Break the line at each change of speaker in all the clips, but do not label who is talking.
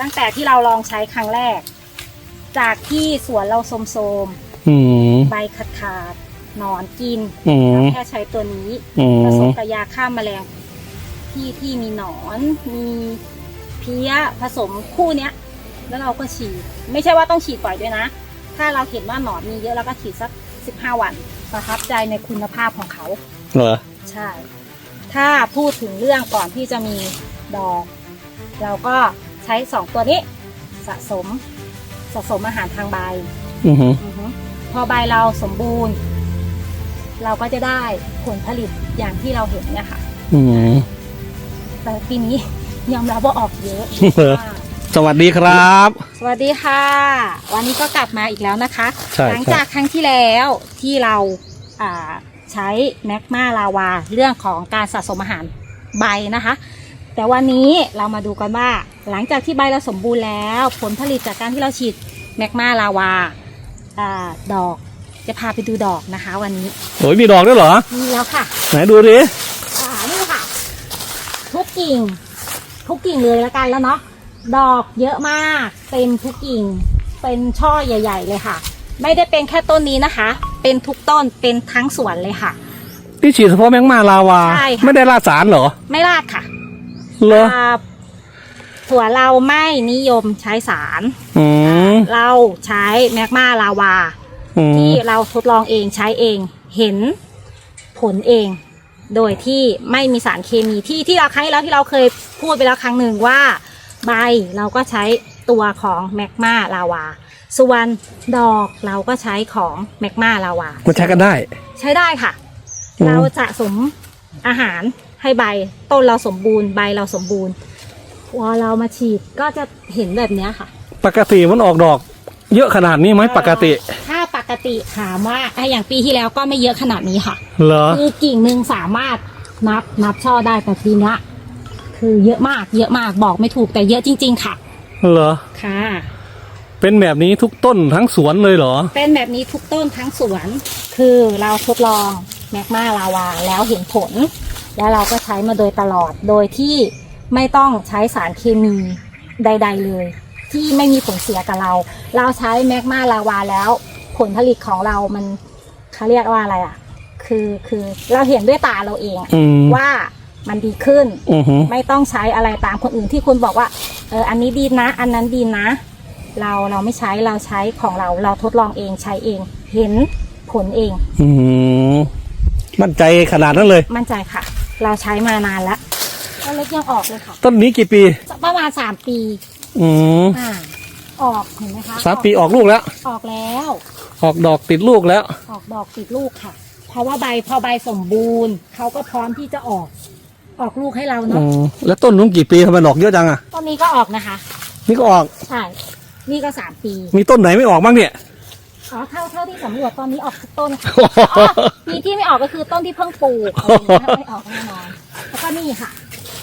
ตั้งแต่ที่เราลองใช้ครั้งแรก จากที่สวนเราโทรมๆใบขาดหนอนกินแล้วแค่ใช้ตัวนี้ผสมกับยาฆ่าแมลงที่มีหนอนมีเพี้ยผสมคู่เนี้ยแล้วเราก็ฉีดไม่ใช่ว่าต้องฉีดบ่อยด้วยนะถ้าเราเห็นว่าหนอนมีเยอะเราก็ฉีดสัก15 วันประทับใจในคุณภาพของเขา
เหรอ
ใช่ถ้าพูดถึงเรื่องก่อนที่จะมีดอกเราก็ใช้2ตัวนี้สะสมอาหารทางใบพอใบเราสมบูรณ์เราก็จะได้ผลผลิตอย่างที่เราเห็นเนี่ยค่ะแต่ปีนี้ยอมรับว่าออกเยอะ
สวัสดีครับ
สวัสดีค่ะวันนี้ก็กลับมาอีกแล้วนะคะหลังจากครั้งที่แล้วที่เราใช้แมกมาลาวาเรื่องของการสะสมอาหารใบนะคะแต่วันนี้เรามาดูกันว่าหลังจากที่ใบเราสมบูรณ์แล้วผลผลิตจากการที่เราฉีดแมกมาลาวาดอกจะพาไปดูดอกนะคะวันนี้
โอ้ยมีดอกด้วยเหรอ
มีแล้วค่ะ
ไหนดูดิ
นี่ค่ะทุกกิ่งเลยละกันแล้วเนาะดอกเยอะมากเต็มทุกกิ่งเป็นช่อใหญ่ๆเลยค่ะไม่ได้เป็นแค่ต้นนี้นะคะเป็นทุกต้นเป็นทั้งสวนเลยค่ะ
ที่ฉีดเฉพาะแมกมาลาวาไม่ได้ราดสารเหรอ
ไม่ราดค่ะ
เหรอ
สวนเราไม่นิยมใช้สารเราใช้แมกมาลาวาที่เราทดลองเองใช้เองเห็นผลเองโดยที่ไม่มีสารเคมีที่เราครั้งแล้วที่เราเคยพูดไปแล้วครั้งหนึ่งว่าใบเราก็ใช้ตัวของแมกมาลาวาส่วนดอกเราก็ใช้ของแมกมาลาวา
มันใช้กันได้
ใช้ได้ค่ะเราสะสมอาหารให้ใบต้นเราสมบูรณ์ใบเราสมบูรณ์พอเรามาฉีดก็จะเห็นแบบนี้ค่ะ
ปกติมันออกดอกเยอะขนาดนี้ไหมปกติ
ถ้าปกติถามว่าอย่างปีที่แล้วก็ไม่เยอะขนาดนี้ค่ะ
เหรอ
คือกิ่งหนึ่งสามารถนับช่อได้แต่ปีนี้คือเยอะมากบอกไม่ถูกแต่เยอะจริงๆค่ะ
เหรอ
ค่ะ
เป็นแบบนี้ทุกต้นทั้งสวนเลยเหรอ
เป็นแบบนี้ทุกต้นทั้งสวนคือเราทดลองแมกมาลาวาแล้วเห็นผลแล้วเราก็ใช้มาโดยตลอดโดยที่ไม่ต้องใช้สารเคมีใดๆเลยที่ไม่มีผลเสียกับเราใช้แมกมาลาวาแล้วผลผลิตของเรามันเขาเรียกว่าอะไรคือเราเห็นด้วยตาเราเองว่ามันดีขึ้นไม่ต้องใช้อะไรตามคนอื่นที่คุณบอกว่าอันนี้ดีนะอันนั้นดีนะเราไม่ใช้เราใช้ของเราทดลองเองใช้เองเห็นผลเอง
มั่นใจขนาดนั้นเลย
มั่นใจค่ะเราใช้มานานแล้วต้นเล็กยังออกเลยค่ะ
ต้นนี้กี่ปี
ประมาณ3 ปีออกเห็นไหมคะ
3 ปีออกลูกแล้ว
ออกแล้ว
ออกดอกติดลูกแล้ว
ออกดอกติดลูกค่ะเพราะว่าพอใบสมบูรณ์เขาก็พร้อมที่จะออกลูกให้เราเนาะ
แล้วต้นนู้นกี่ปีทำไมดอกเยอะจังอ่ะ
ต้นนี้ก็ออกนะคะ
นี่ก็ออก
ใช่นี่ก็3 ปี
มีต้นไหนไม่ออกบ้างเนี่ย
เท่าที่สำรวจตอนนี้ออกทุกต้นค่ะปีที่ไม่ออกก็คือต้นที่เพิ่งปลูกไม่ออกแน่นอนแล้วก็นี่ค่ะ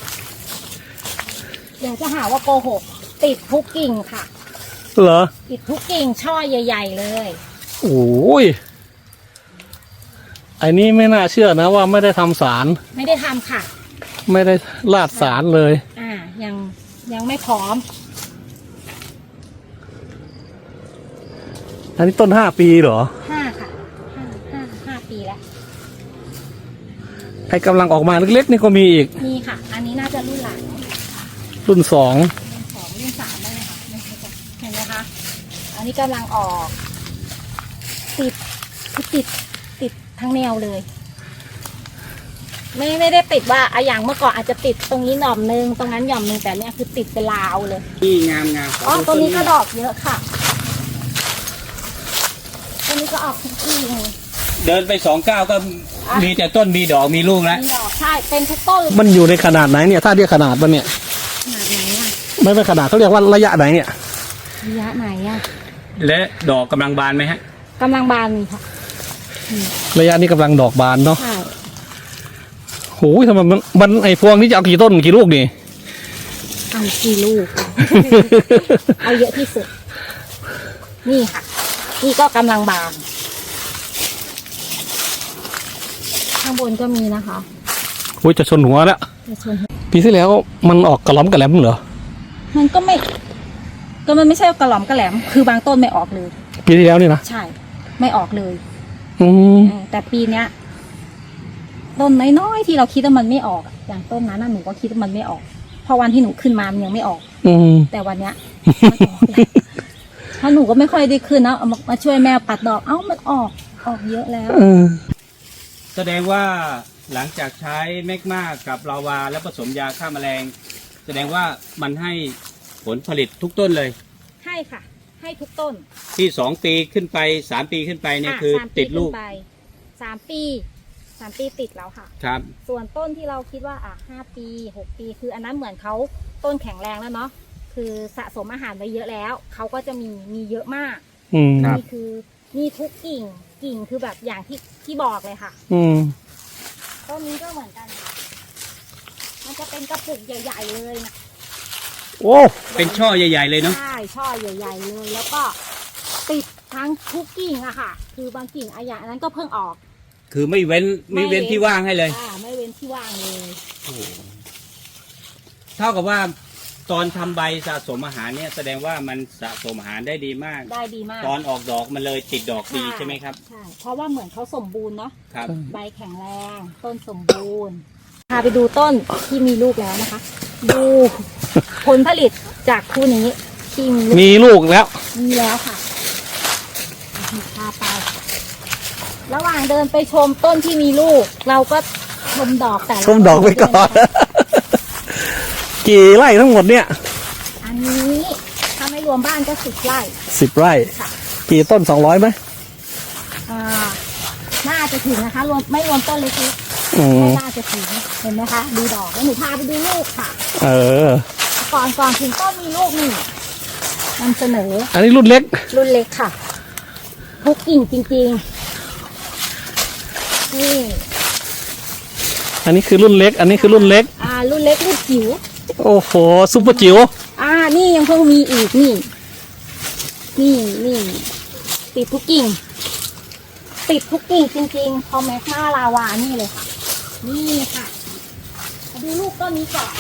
เดี๋ยวจะหาว่าโกหกติดทุกกิ่งค่ะ
เหรอ
ติดทุกกิ่งช่อใหญ่ๆเลย
โอ้ยไอ้นี่ไม่น่าเชื่อนะว่าไม่ได้ทำสาร
ไม่ได้ทำค่ะ
ไม่ได้ราดสารเลย
ยังไม่พร้อม
อันนี้ต้น5 ปีเหรอ
5 ค่ะ5 ปีแล้ว
ไอ้กำลังออกมาเล็กๆนี่ก็มีอีก
มีค่ะอันนี้น่าจะรุ่นหลัง
รุ่น2
รุ่น3ได้เลยค่ะเห็นไหมคะอันนี้กำลังออกติดทั้งแนวเลยไม่ได้ติดว่าอย่างเมื่อก่อนอาจจะติดตรงนี้หน่อมนึงตรงนั้นหย่อมนึงแต่เนี่ยคือติดเป็นลาวเลย
นี่งาม
ตัวนี้ก็ดอกเยอะค่ะตัวนี้ก็ออกทุกที่เลย
เดินไป2 ก้าวก็มีแต่ต้นมีดอกมีลูกแล้ว
มีดอกใช่เป็นทุกต้น
มันอยู่ในขนาดไหนเนี่ยถ้าเรียกขนาดมันเนี่ย
ขนาดไหนอ่ะ
ไม่เป็นขนาดเขาเรียกว่าระยะไหนเนี่ย
ระยะไหนอ่ะ
และดอกกำลังบานไหมฮะ
กำลังบานนี่ค่ะ
ระยะนี้กำลังดอกบานเนาะ
ใช่
โอ้ยทำไมมันไอ้พวงนี้จะเอากี่ต้นกี่ลูกนี่
เอากี่ลูกเอาเยอะที่สุดนี่ค่ะนี่ก็กำลังบานข้างบนก็มีนะคะ
โอ้ยจะชนหัวแล้วปีที่แล้วมันออกกระล้อมกระแหลมเหรอ
มันก็ไม่ก็มันไม่ใช่กระหล่อมกระแหลมคือบางต้นไม่ออกเลย
ปีที่แล้วนี่นะ
ใช่ไม่ออกเลย
อืม
แต่ปีเนี้ยต้นน้อยๆที่เราคิดว่ามันไม่ออกอย่างต้นนั้นน่ะหนูก็คิดว่ามันไม่ออกเพราะวันที่หนูขึ้นมามันยังไม่ออก
อืม
แต่วันเนี้ยมันออกแล้วเพราะหนูก็ไม่ค่อยได้ขึ้นนะเอามาช่วยแม่ปัดดอกเอ้ามันออกเยอะแล้ว
แสดงว่าหลังจากใช้แมกมากับลาวาแล้วผสมยาฆ่าแมลง แสดงว่ามันให้ผลผลิตทุกต้นเลย
ให้ค่ะ ให้ทุกต้น
ที่2 ปีขึ้นไป3 ปีขึ้นไปเนี่ยคือ
3
ติดลูก
ขึ้นไป3 ปีติดแล้วค่ะ
ครับ
ส่วนต้นที่เราคิดว่า5 ปี6 ปีคืออันนั้นเหมือนเขาต้นแข็งแรงแล้วเนาะคือสะสมอาหารไว้เยอะแล้วเขาก็จะมีเยอะมาก
อืม
ครับ
นี่คือมีทุกกิ่งคือแบบอย่างที่บอกเลยค่ะ
อืม
ต้นนี้ก็เหมือนกันค่ะมันจะเป็นกระปุกใหญ่ๆเลยนะ
โอ้
เป็นช่อใหญ่ ๆ เลยเนาะ
ใช่ช่อใหญ่ๆเลย แล้วก็ติดทั้งทุกกิ่งอะค่ะ คือบางกิ่งอะอย่างอันนั้นก็เพิ่งออก
คือไม่เว้นที่ว่างให้เลย
ไม่เว้นที่ว่างเลย
เท่ากับว่าตอนทำใบสะสมอาหารเนี่ยแสดงว่ามันสะสมอาหารได้ดีมาก
ได้ดีมาก
ตอนออกดอกมันเลยติดดอกดีใช่ไหมครับ
ใช่เพราะว่าเหมือนเขาสมบูรณ์เนาะ
ครับ
ใบแข็งแรง ต้นสมบูรณ์พาไปดูต้นที่มีลูกแล้วนะคะ ดูผลผลิตจากคู่นี้ที่มีลูก
มีลูกแล้ว
มีแล้วค่ะพาไป ระหว่างเดินไปชมต้นที่มีลูก เราก็ชมดอกแต่ละ
ชมดอกไปก่อน กี่ไร่ทั้งหมดเนี่ย
อันนี้ถ้าไม่รวมบ้านก็10 ไร่
10 ไร่
ค่ะ
กี่ต้น200ไหม
อ่าน่าจะถึงนะคะรวมไม่รวมต้นเล็ก
อื
ๆ
ม
น่าจะถึงเห็นไหมคะ ดูดอกแล้วหนูพาไปดูลูกค่ะ
เออ
ก่อนถึงต้นมีลูกนี่นำเสนอ
อันนี้รุ่นเล็ก
รุ่นเล็กค่ะทุกกิ่งจริงๆนี่
อันนี้คือรุ่นเล็ก อันนี้คือรุ่นเล็ก
รุ่นเล็กรุ่นจิ๋ว
โอ้โหซุปเปอร์จิ๋ว
นี่ยังเพิ่งมีอีกนี่ติดทุกกิ่ง ติดทุกกิ่งจริงๆพอแมกมาลาวานี่เลยค่ะ นี่ค่ะมาดูลูกต้นนี้ก่อน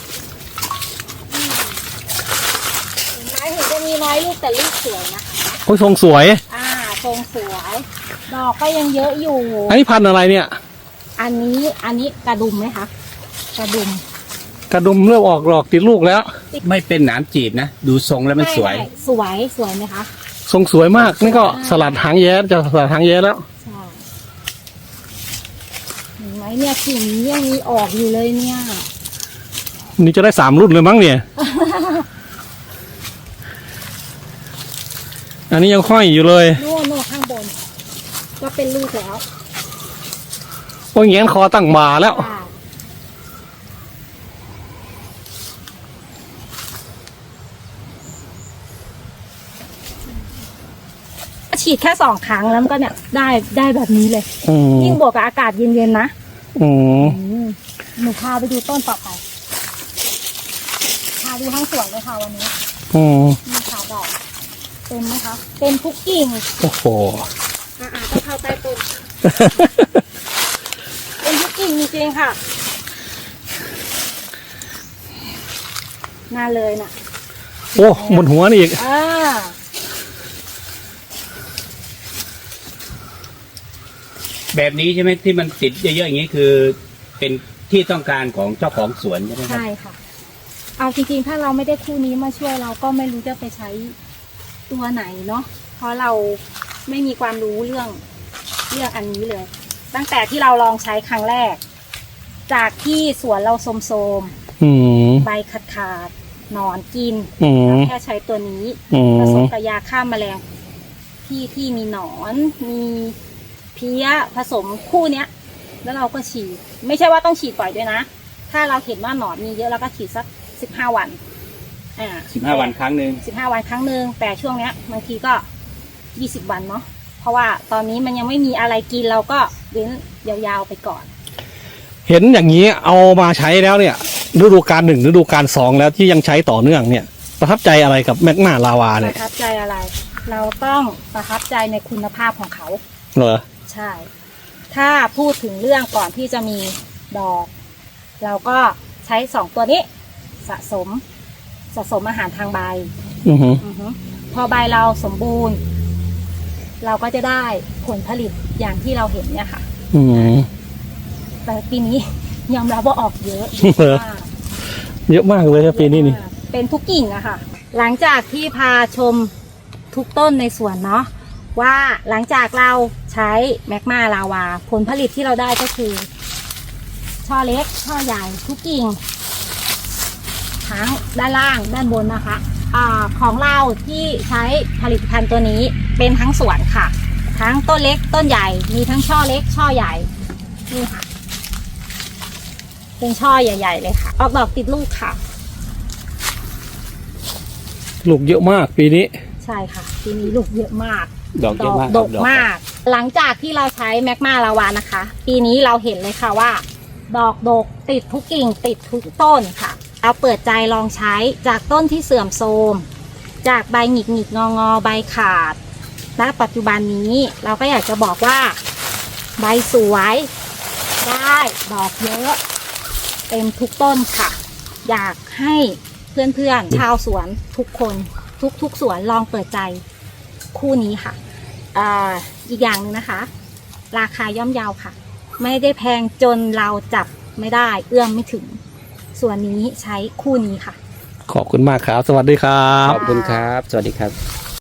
เห็นไหมถึงจะมีน้อยลูกแต่ลูกสวยนะคะ
โอ้ยทรงสวย
ทรงสวย ดอกก็ยังเยอะอยู่
อันนี้พันธุ์อะไรเนี่ย
อันนี้กระดุมไหมคะ กระดุม
กระดุมเริ่มออกดอกติดลูกแล้ว
ไม่เป็นหนามจีบนะ ดูทรงแล้วมันสวย
ไม่สวยไหมคะ
ทรงสวยมาก นี่ก็สลัดหางแย้จะสลัดหางแย้แล้ว
ใช่เห็นไหมเนี่ยกิ่งนี้ยังมีออกอยู่เลยเนี่ย
นี่จะได้3 รุ่นเลยมั้งเนี่ย อันนี้ยังห้อยอยู่เลย
โน่ข้างบน ก็เป็นลูกแล้ว
โอ้ยแงนคอตั้งบ่าแล้ว
ฉีดแค่2 ครั้งแล้วมันก็เนี่ยได้แบบนี้เลย
อืม
ยิ่งบวกกับอากาศเย็นๆนะ
อืม
หนูพาไปดูต้นต่อไปพาดูทั้งสวนเลยค่ะวันนี้
อืม
มีขาดอกเต็มไหมคะเต็มทุกกิ่ง
โอ้โห
ต้องเข้าใต้ต้นเต็มทุกกิ่งจริงๆค่ะน่าเลยน่ะ
โอ้บนหัวนี่อีก
แบบนี้ใช่ไหมที่มันติดเยอะๆอย่างนี้คือ เป็นที่ต้องการของเจ้าของสวนใช่ไหมครับ
ใช่ค่ะ เอาจริงๆถ้าเราไม่ได้คู่นี้มาช่วยเราก็ไม่รู้จะไปใช้ตัวไหนเนาะเพราะเราไม่มีความรู้เรื่องอันนี้เลย ตั้งแต่ที่เราลองใช้ครั้งแรก จากที่สวนเราโทรม
อืม
ๆใบขาดๆหนอนกิน
อืม
แล้วแค่ใช้ตัวนี้
อืม
ผสมกับยาฆ่าแมลงที่มีหนอนมีเพี้ยผสมคู่เนี้ย แล้วเราก็ฉีดไม่ใช่ว่าต้องฉีดบ่อยด้วยนะ ถ้าเราเห็นว่าหนอนมีเยอะเราก็ฉีดสัก15 วัน
15 วันครั้งหนึ่ง
15 วันครั้งหนึ่งแต่ช่วงเนี้ยบางทีก็20 วันเนาะเพราะว่าตอนนี้มันยังไม่มีอะไรกินเราก็เว้นยาวๆไปก่อน
เห็นอย่างนี้เอามาใช้แล้วเนี่ยฤดูกาล1ฤดูกาล2แล้วที่ยังใช้ต่อเนื่องเนี่ย ประทับใจอะไรกับแมกมาลาวา
ป
เนี่ย
ระทับใจอะไร เราต้องประทับใจในคุณภาพของเขา
เหรอ
ใช่ ถ้าพูดถึงเรื่องก่อนที่จะมีดอก เราก็ใช้2 ตัวนี้สะสมอาหารทางใบ
อือฮึ
อือฮึพอใบเราสมบูรณ์ เราก็จะได้ผลผลิตอย่างที่เราเห็นเนี่ยค่ะ
อืม
แต่ปีนี้ ยอมรับว่าออกเยอะ
เออ
มาก
เยอะมากเลยครับปีนี้นี่
เป็นทุกกิ่งอะค่ะ หลังจากที่พาชมทุกต้นในสวนเนาะว่าหลังจากเราใช้แมกมาลาวาผลผลิตที่เราได้ก็คือ ช่อเล็กช่อใหญ่ทุกกิ่งทั้งด้านล่างด้านบนนะคะของเราที่ใช้ผลิตภัณฑ์ตัวนี้เป็นทั้งสวนค่ะ ทั้งต้นเล็กต้นใหญ่มีทั้งช่อเล็กช่อใหญ่นี่ค่ะ เป็นช่อใหญ่ ๆ เลยค่ะ ออกดอกติดลูกค่ะ
ลูกเยอะมากปีนี้
ใช่ค่ะปีนี้ลูกเยอะมาก
ดอกเยอะมาก
ด
ครับ
กมาก หลังจากที่เราใช้แมกมาลาวานะคะ ปีนี้เราเห็นเลยค่ะว่า ดอกดกติดทุกกิ่งติดทุกต้นค่ะ เอาเปิดใจลองใช้จากต้นที่เสื่อมโทรมจากใบหงิกหงิกงองอใบขาดณปัจจุบันนี้เราก็อยากจะบอกว่า ใบสวยได้ดอกเยอะเต็มทุกต้นค่ะ อยากให้เพื่อนๆชาวสวนทุกคนทุกสวนลองเปิดใจคู่นี้ค่ะอีกอย่างหนึ่งนะคะ ราคาย่อมเยาค่ะ ไม่ได้แพงจนเราจับไม่ได้เอื้อมไม่ถึง ส่วนนี้ใช้คู่นี้ค่ะ
ขอบคุณมากครับ สวัสดีครับ
ขอบคุณครับ สวัสดีครับ